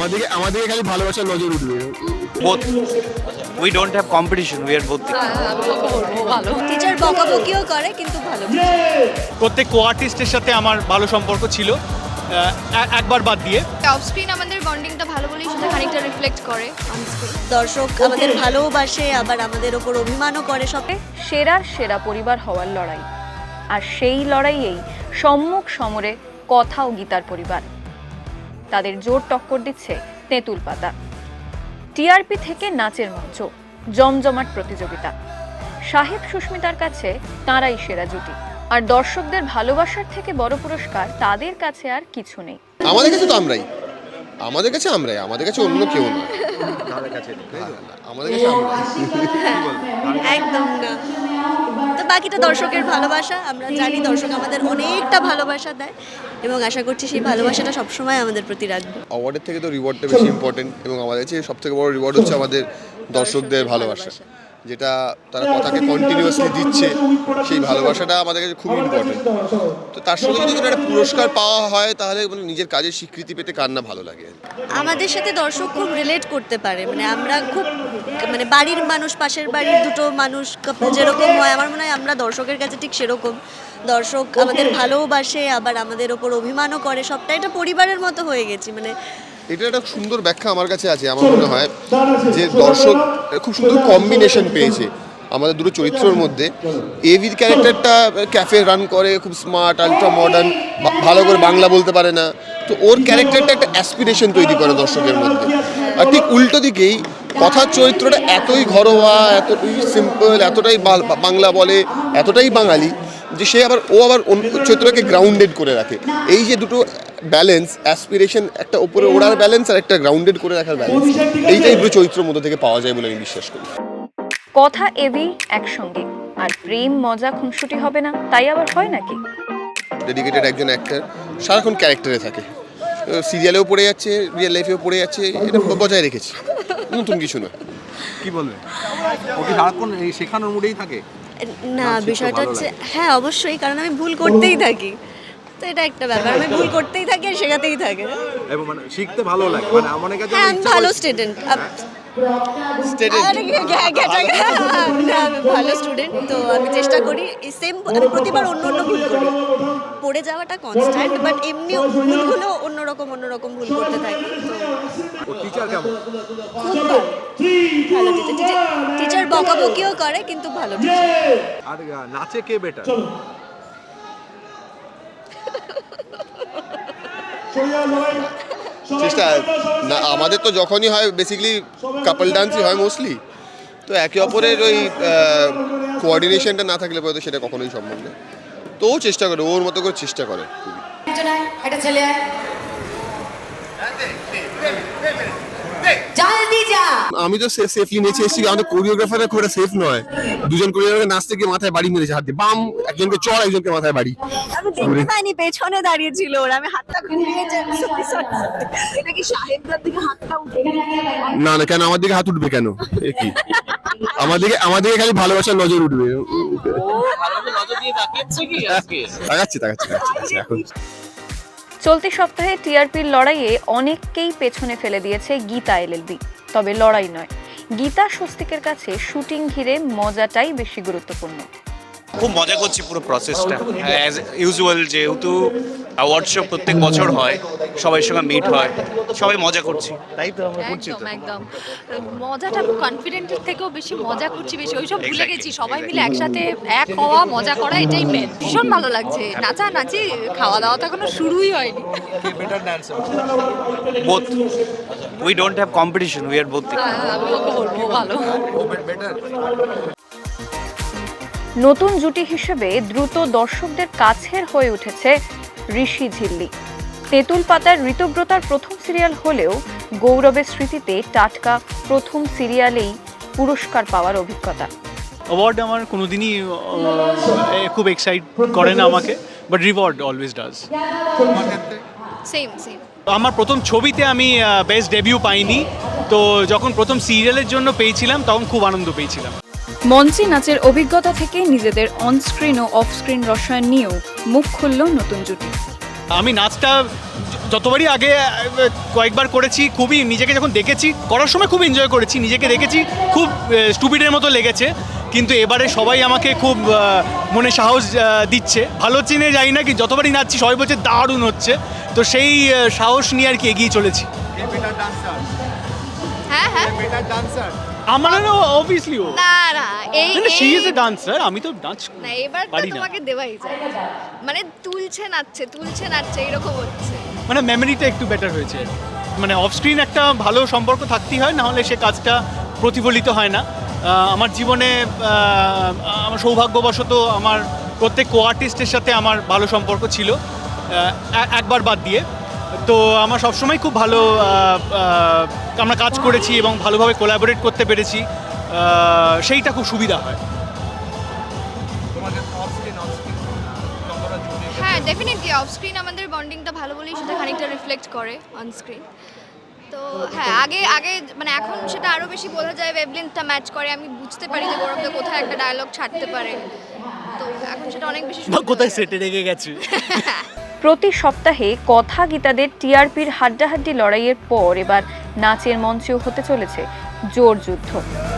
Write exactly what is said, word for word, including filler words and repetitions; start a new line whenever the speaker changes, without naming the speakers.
আমাদেরকে আমাদেরকে খালি ভালোবাসার নজর উঠবে।
both we don't have competition, we are both
ভালো টিচার বকাবকিও করে কিন্তু ভালো।
প্রত্যেক কো আর্টিস্টের সাথে আমার ভালো সম্পর্ক ছিল, আহ, একবার বাদ দিয়ে।
অফ স্ক্রিন আমাদের বন্ডিংটা ভালো বলেই সেটা খানিকটা রিফ্লেক্ট করে অন স্ক্রিন।
দর্শক আমাদের ভালোবাসে আবার আমাদের ওপর অভিমানও করে সবে।
সেরার সেরা পরিবার হওয়ার লড়াই, আর সেই লড়াইয়েই সম্মুখ সমরে কথা ও গীতার পরিবার। তাদের জোর টক্কর দিচ্ছে তেঁতুল পাতা। টিআরপি থেকে নাচের মঞ্চ, জমজমাট প্রতিযোগিতা। সাহেব সুস্মিতার কাছে তাঁরাই সেরা জুটি, আর দর্শকদের ভালোবাসার থেকে বড় পুরস্কার তাদের কাছে আর কিছু নেই।
আমাদের কাছে তো আমরাই আমাদের কাছে আমরাই আমাদের কাছে অন্য কেউ না। আমাদের কাছে
একদম না। তো বাকিটা দর্শকের ভালোবাসা। আমরা জানি দর্শক আমাদের অনেকটা ভালোবাসা দেয় এবং আশা করছি সেই ভালোবাসাটা সবসময় আমাদের প্রতি রাখবে।
অ্যাওয়ার্ডের থেকে তো রিওয়ার্ডটা বেশি ইম্পর্টেন্ট, এবং আমাদের কাছে সবথেকে বড় রিওয়ার্ড হচ্ছে আমাদের দর্শকদের ভালোবাসা, যেটা তারা কথাকে কন্টিনিউয়াসলি দিচ্ছে। সেই ভালোবাসাটা আমাদের কাছে খুব ইম্পর্টেন্ট। তো তার সঙ্গে যদি কোনো একটা পুরস্কার পাওয়া হয় তাহলে মানে নিজের কাজের স্বীকৃতি পেতে কার না ভালো লাগে।
আমাদের সাথে দর্শক খুব রিলেট করতে পারে, মানে আমরা খুব মানে বাড়ির মানুষ, পাশের বাড়ির দুটো মানুষ couple যেরকম হয়, আমার মনে হয় আমরা দর্শকের কাছে ঠিক সেরকম। দর্শক আমাদের ভালোবাসে আবার আমাদের ওপর অভিমানও করে, সবটা এটা পরিবারের মতো হয়ে গেছি। মানে
এটা একটা সুন্দর ব্যাখ্যা আমার কাছে আছে। আমার মনে হয় যে দর্শক খুব সুন্দর কম্বিনেশন পেয়েছে আমাদের দুটো চরিত্রের মধ্যে। এভির ক্যারেক্টারটা ক্যাফে রান করে, খুব স্মার্ট, আলট্রা মডার্ন, ভালো করে বাংলা বলতে পারে না। তো ওর ক্যারেক্টারটা একটা অ্যাসপিরেশন তৈরি করে দর্শকের মধ্যে। আর ঠিক উল্টো দিকেই কথার চরিত্রটা এতই ঘরোয়া, এতটাই সিম্পল, এতটাই বাংলা বলে, এতটাই বাঙালি যে সে আবার ও আবার চরিত্রটাকে গ্রাউন্ডেড করে রাখে। এই যে দুটো ব্যালেন্স, অ্যাসপিরেশন, একটা উপরে ওড়ার ব্যালেন্স আর একটা গ্রাউন্ডেড করে রাখার ব্যালেন্স, এইটাই দুটো চরিত্রের মধ্যে থেকে পাওয়া যায় বলে আমি বিশ্বাস করি।
কথা এভি একসঙ্গে, আর প্রেম মজা খুনসুটি হবে না, তাই আবার হয় নাকি?
ডেডিকেটেড একজন অ্যাক্টর সারাক্ষণ ক্যারেক্টারে থাকে, সিরিয়ালেও পড়ে যাচ্ছে, রিয়েল লাইফেও পড়ে যাচ্ছে, এটা বজায় রেখেছে, নতুন কিছু নয়।
কি বলবে, ওকে সারাক্ষণ এই শেখানোর মুডেই থাকে?
না, বিষয়টা হচ্ছে হ্যাঁ অবশ্যই, কারণ আমি ভুল করতেই থাকি, তো এটা একটা ব্যাপার। আমি ভুল করতেই থাকি আর শেখাতেই থাকি।
এবং মানে শিখতে ভালো লাগে, মানে আমার কাছে
হ্যাঁ আমি ভালো স্টুডেন্ট। ভালো স্টুডেন্ট, তো আমি চেষ্টা করি সেম, আমি প্রতিবার অন্য অন্য ভুল করি, পড়ে যাওয়াটা কনস্ট্যান্ট, বাট এমনি ভুলগুলো অন্যরকম অন্যরকম ভুল করতে থাকি।
ও টিচার কেমন?
খুব ভালো ভালো টিচার। টিচার বকাবকিও করে কিন্তু ভালো টিচার।
আর নাচে কে বেটার?
চেষ্টা না, আমাদের তো যখনই হয় বেসিক্যালি কাপল ডান্সই হয় মোস্টলি। তো একে অপরের ওই কোঅর্ডিনেশনটা না থাকলে পরে তো সেটা কখনোই সম্ভব না। তো ও চেষ্টা করে, ওর মতো করে চেষ্টা করে
একটা ছেলে জলদি যা।
আমি তো সেফলি নেচে এসেছি, আমাদের কোরিওগ্রাফাররা খুব সেফ নয়। দুজন কোরিওগ্রাফার নাচতে গিয়ে মাথায় বাড়ি মেরেছে, হাত দিয়ে বাম, একজনকে চড়, একজনকে মাথায় বাড়ি।
আমি দেখতে পাইনি, পেছনে দাঁড়িয়ে ছিল ওরা, আমি হাতটা ঘুরিয়ে এটা কি সাহেবদার দিকে হাতটা উঠে?
না না, কেন আমার দিকে হাত উঠবে কেন? এ কি আমাদেরকে আমাদেরকে খালি ভালোবাসার নজর উঠবে। তাকাচ্ছি তাকাচ্ছি তাকাচ্ছি এখন।
চলতি সপ্তাহে টিআরপির লড়াইয়ে অনেককেই পেছনে ফেলে দিয়েছে গীতা এলএলবি। তবে লড়াই নয়, গীতা স্বস্তিকের কাছে শুটিং ঘিরে মজাটাই বেশি গুরুত্বপূর্ণ।
খুব মজা করছি পুরো প্রসেসটা, অ্যাজ ইউজুয়াল। যেহেতু অ্যাওয়ার্ড শো প্রত্যেক বছর হয়, সবাই সঙ্গে মিট হয়, সবাই মজা করছি, তাই তো আমরা করছি। তো
একদম মজাটা কনফিডেন্টের থেকেও বেশি মজা করছি, বেশি ওইসব ভুলে গেছি। সবাই মিলে একসাথে এক হওয়া, মজা করা, এটাই মেন। ভীষণ ভালো লাগছে, নাচা নাচি, খাওয়া দাওয়া তো এখনো শুরুই হয়নি।
Both we don't have competition, we are both.
আমি ওকে বলবো ভালো।
নতুন জুটি হিসেবে দ্রুত দর্শকদের কাছের হয়ে উঠেছে ঋষি ঝিল্লি। তেঁতুল পাতার ঋতব্রতার প্রথম সিরিয়াল হলেও গৌরবের স্মৃতিতে টাটকা প্রথম সিরিয়ালেই পুরস্কার পাওয়ার অভিজ্ঞতা।
অ্যাওয়ার্ড আমার কোনোদিনই খুব এক্সাইট করে না আমাকে, but reward always does.
Same same.
আমার প্রথম ছবিতে আমি বেস্ট ডেবিউ পাইনি, তো যখন প্রথম সিরিয়ালের জন্য পেয়েছিলাম তখন খুব আনন্দ পেয়েছিলাম।
মঞ্চে নাচের অভিজ্ঞতা থেকে নিজেদের অনস্ক্রিন ও অফস্ক্রিন রসায়ন নিয়েও মুখ খুলল নতুন জুটি।
আমি নাচটা যতবারই আগে আহ, কয়েকবার করেছি খুবই নিজেকে যখন দেখেছি করার সময় খুব এনজয় করেছি, নিজেকে দেখেছি খুব স্টুপিডের মতো লেগেছে, কিন্তু এবারে সবাই আমাকে খুব আহ, মনে সাহস আহ, দিচ্ছে, ভালো চিনে যাই না কি যতবারই নাচছি সবাই বলছে দারুণ হচ্ছে, তো সেই আহ, সাহস নিয়ে আর কি এগিয়ে চলেছি।
হ্যাঁ হ্যাঁ
আমার অবভিয়াসলি ও
না না এই
শি
এই-
ইজ এ ডান্সার, আমি তো ডান্স
না এবার তো
পারি না।
তোমাকে দেওয়াই যায়, মানে তুলছে নাচছে তুলছে নাচছে এরকম হচ্ছে।
মানে মেমোরিটা একটু বেটার হয়েছে, মানে অফ স্ক্রিন একটা ভালো সম্পর্ক থাকতেই হয়, না হলে সে কাজটা প্রতিফলিত হয় না। আহ, আমার জীবনে আহ, আমার সৌভাগ্যবশত আমার প্রত্যেক কো আর্টিস্টের সাথে আমার ভালো সম্পর্ক ছিল, আহ, এ- একবার বাদ দিয়ে। তো আমার সবসময় খুব ভালো আহ, আহ, আমরা কাজ করেছি এবং ভালোভাবে কোলাবোরেট করতে পেরেছি, আহ, সেইটা খুব সুবিধা হয়।
হ্যাঁ ডেফিনেটলি অফ স্ক্রিন আমাদের বন্ডিংটা ভালো বলেই সেটা খানিকটা রিফ্লেক্ট করে অন স্ক্রিন। তো হ্যাঁ আগে আগে মানে এখন সেটা আরও বেশি বোঝা যায়, ওয়েভলেন্থটা ম্যাচ করে, আমি বুঝতে পারি যে গৌরবদা কোথায় একটা ডায়লগ ছাড়তে পারে, তো এখন সেটা অনেক বেশি সুবিধা
কোথায়
হয়ে
সেটে রেখে গেছে।
প্রতি সপ্তাহে কথা গীতাদের টিআরপির হাড্ডাহাড্ডি লড়াইয়ের পর এবার নাচের মঞ্চেও হতে চলেছে জোর যুদ্ধ।